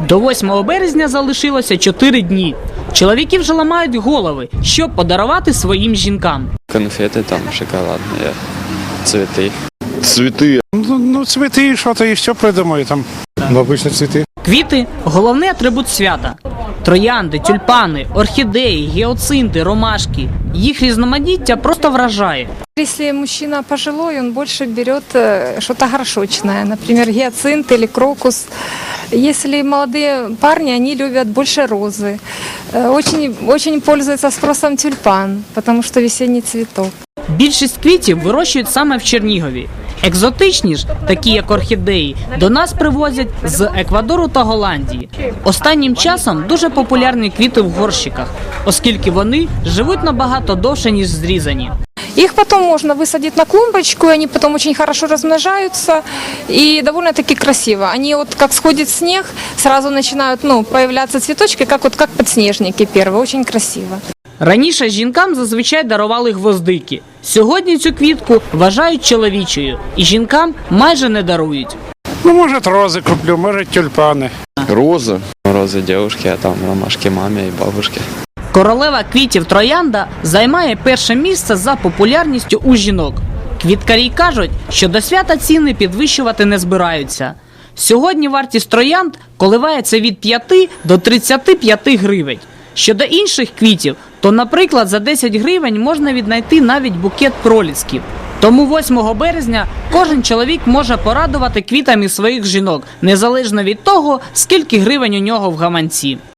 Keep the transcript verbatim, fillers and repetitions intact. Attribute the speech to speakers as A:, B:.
A: До восьмого березня залишилося чотири дні. Чоловіки вже ламають голови, що подарувати своїм жінкам.
B: Конфети там, шоколадні, цвіти.
C: Цветы.
D: Ну, ну цветы, что-то и все придумаю там. Ну, обычно цветы.
A: Квіти – головний атрибут свята. Троянди, тюльпани, орхідеї, гіацинти, ромашки. Їх різноманіття просто вражає.
E: Если мужчина пожилой, он больше берет э, что-то горшочное, например, гиацинт или крокус. Если молодые парни, они любят больше розы. Э, Очень, очень пользуется спросом тюльпан, потому что весенний цветок.
A: Більшість квітів вирощують саме в Чернігові. Екзотичні ж, такі як орхідеї, до нас привозять з Еквадору та Голландії. Останнім часом дуже популярні квіти в горщиках, оскільки вони живуть набагато довше, ніж зрізані.
E: Их потом можно высадить на клумбочку, и они потом очень хорошо размножаются и довольно-таки красиво. Они вот как сходит снег, сразу начинают ну, появляться цветочки, как, вот, как подснежники первые, очень красиво.
A: Раніше жінкам зазвичай дарували гвоздики. Сьогодні цю квітку вважають чоловічою, і жінкам майже не дарують.
D: Ну, может, розы куплю, может, тюльпаны.
C: Роза.
B: Рози дівчатки, а там ромашки мамі і бабушки.
A: Королева квітів троянда займає перше місце за популярністю у жінок. Квіткарі кажуть, що до свята ціни підвищувати не збираються. Сьогодні вартість троянд коливається від п'яти до тридцяти п'яти гривень. Щодо інших квітів, то, наприклад, за десять гривень можна віднайти навіть букет пролісків. Тому восьмого березня кожен чоловік може порадувати квітами своїх жінок, незалежно від того, скільки гривень у нього в гаманці.